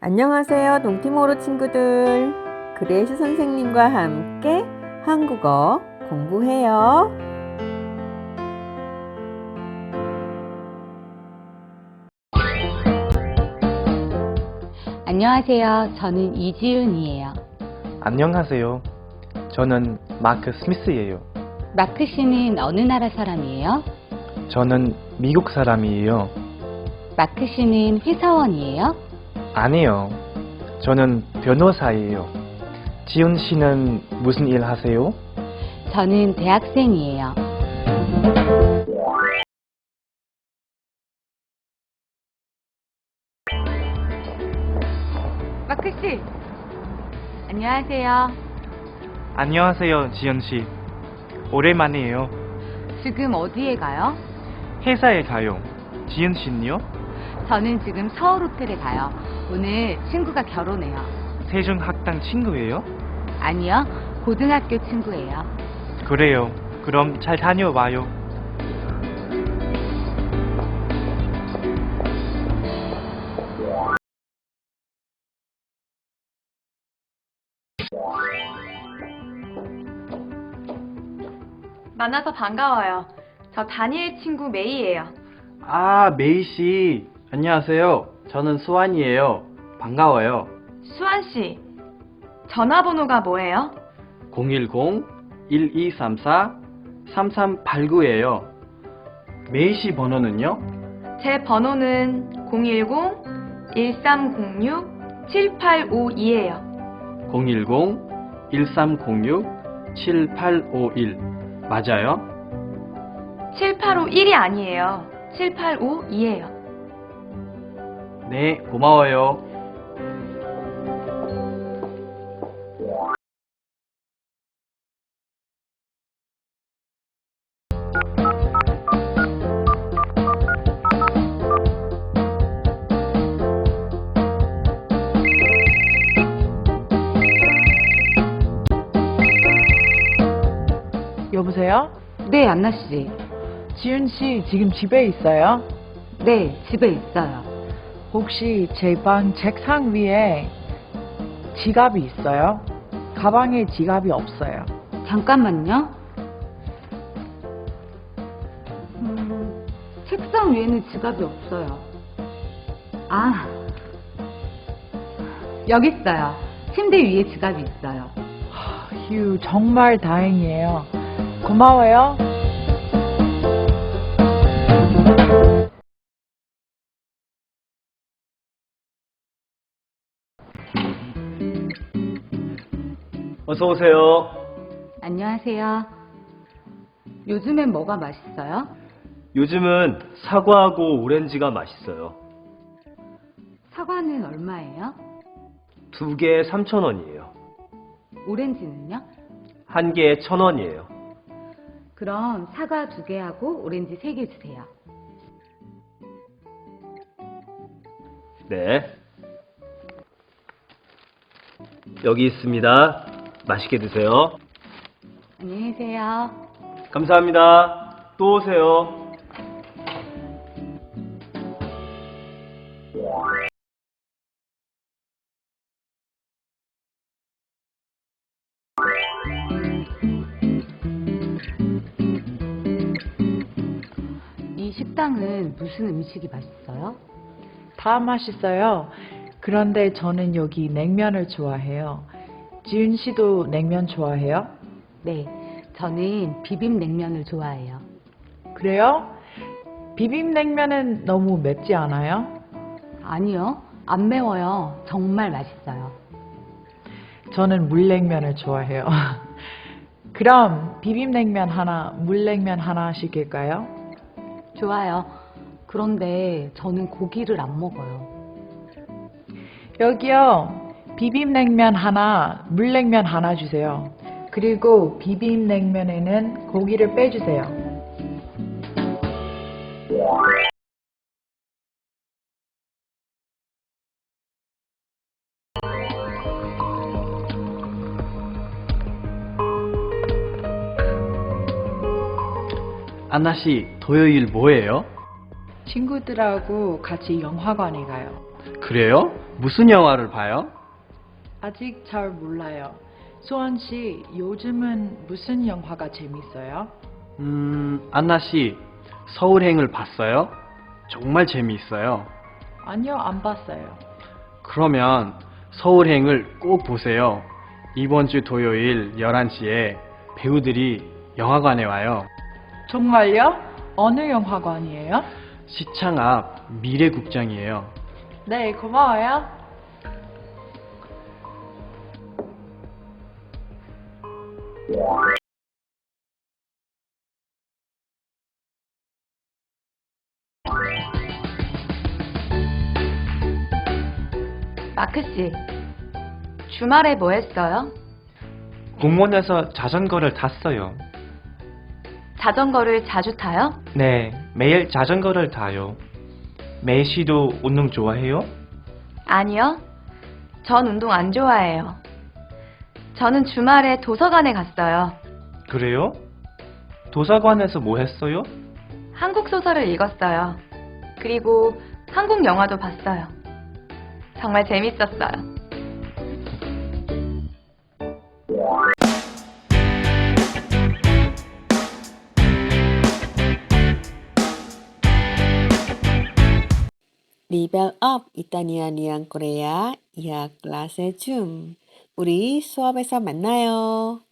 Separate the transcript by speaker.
Speaker 1: 안녕하세요, 동티모로 친구들. 그레이스 선생님과 함께 한국어 공부해요.
Speaker 2: 안녕하세요. 저는 이지윤이에요.
Speaker 3: 안녕하세요. 저는 마크 스미스예요.
Speaker 2: 마크 씨는 어느 나라 사람이에요?
Speaker 3: 저는 미국 사람이에요.
Speaker 2: 마크 씨는 회사원이에요?
Speaker 3: 아니요. 저는 변호사예요. 지훈 씨는 무슨 일 하세요?
Speaker 2: 저는 대학생이에요. 마크 씨! 안녕하세요.
Speaker 3: 안녕하세요, 지훈 씨. 오랜만이에요.
Speaker 2: 지금 어디에 가요?
Speaker 3: 회사에 가요. 지훈 씨는요?
Speaker 2: 저는 지금 서울 호텔에 가요. 오늘 친구가 결혼해요.
Speaker 3: 세종학당 친구예요?
Speaker 2: 아니요, 고등학교 친구예요.
Speaker 3: 그래요. 그럼 잘 다녀와요.
Speaker 4: 만나서 반가워요. 저 다니엘 친구 메이예요.
Speaker 5: 아, 메이 씨. 안녕하세요. 저는 수환이에요. 반가워요.
Speaker 4: 수환 씨, 전화번호가 뭐예요?
Speaker 5: 010-1234-3389예요. 메이 씨 번호는요?
Speaker 4: 제 번호는 010-1306-7852예요.
Speaker 5: 010-1306-7851. 맞아요?
Speaker 4: 7851이 아니에요. 7852예요.
Speaker 5: 네, 고마워요.
Speaker 6: 여보세요?
Speaker 2: 네, 안나 씨.
Speaker 6: 지윤 씨 지금 집에 있어요?
Speaker 2: 네, 집에 있어요.
Speaker 6: 혹시 제 방 책상 위에 지갑이 있어요? 가방에 지갑이 없어요.
Speaker 2: 잠깐만요. 책상 위에는 지갑이 없어요. 아, 여기 있어요. 침대 위에 지갑이 있어요.
Speaker 6: 휴, 정말 다행이에요. 고마워요.
Speaker 5: 어서 오세요.
Speaker 2: 안녕하세요. 요즘엔 뭐가 맛있어요?
Speaker 7: 요즘은 사과하고 오렌지가 맛있어요.
Speaker 2: 사과는 얼마예요?
Speaker 7: 2개에 3,000원이에요.
Speaker 2: 오렌지는요?
Speaker 7: 1개에 1,000원이에요.
Speaker 2: 그럼 사과 2개하고 오렌지 3개 주세요.
Speaker 7: 네. 여기 있습니다. 맛있게 드세요.
Speaker 2: 안녕히 계세요.
Speaker 7: 감사합니다. 또 오세요.
Speaker 2: 이 식당은 무슨 음식이 맛있어요?
Speaker 6: 다 맛있어요. 그런데 저는 여기 냉면을 좋아해요. 지윤 씨도 냉면 좋아해요?
Speaker 2: 네, 저는 비빔냉면을 좋아해요.
Speaker 6: 그래요? 비빔냉면은 너무 맵지 않아요?
Speaker 2: 아니요, 안 매워요. 정말 맛있어요.
Speaker 6: 저는 물냉면을 좋아해요. 그럼 비빔냉면 하나, 물냉면 하나 시킬까요?
Speaker 2: 좋아요. 그런데 저는 고기를 안 먹어요.
Speaker 6: 여기요. 비빔냉면 하나, 물냉면 하나 주세요. 그리고 비빔냉면에는 고기를 빼주세요.
Speaker 5: 안나 씨, 토요일 뭐예요?
Speaker 6: 친구들하고 같이 영화관에 가요.
Speaker 5: 그래요? 무슨 영화를 봐요?
Speaker 6: 아직 잘 몰라요. 소원 씨, 요즘은 무슨 영화가 재밌어요?
Speaker 5: 안나 씨, 서울행을 봤어요? 정말 재미있어요.
Speaker 6: 아니요, 안 봤어요.
Speaker 5: 그러면 서울행을 꼭 보세요. 이번 주 토요일 11시에 배우들이 영화관에 와요.
Speaker 6: 정말요? 어느 영화관이에요?
Speaker 5: 시창 앞 미래국장이에요.
Speaker 6: 네, 고마워요.
Speaker 4: 마크 씨, 주말에 뭐 했어요?
Speaker 3: 공원에서 자전거를 탔어요.
Speaker 4: 자전거를 자주 타요?
Speaker 3: 네, 매일 자전거를 타요. 메이 씨도 운동 좋아해요?
Speaker 4: 아니요. 전 운동 안 좋아해요. 저는 주말에 도서관에 갔어요.
Speaker 3: 그래요? 도서관에서 뭐 했어요?
Speaker 4: 한국 소설을 읽었어요. 그리고 한국 영화도 봤어요. 정말 재밌었어요.
Speaker 1: Level up 이따니아니안 코레아 이학 클래스 줌. 우리 수업에서 만나요.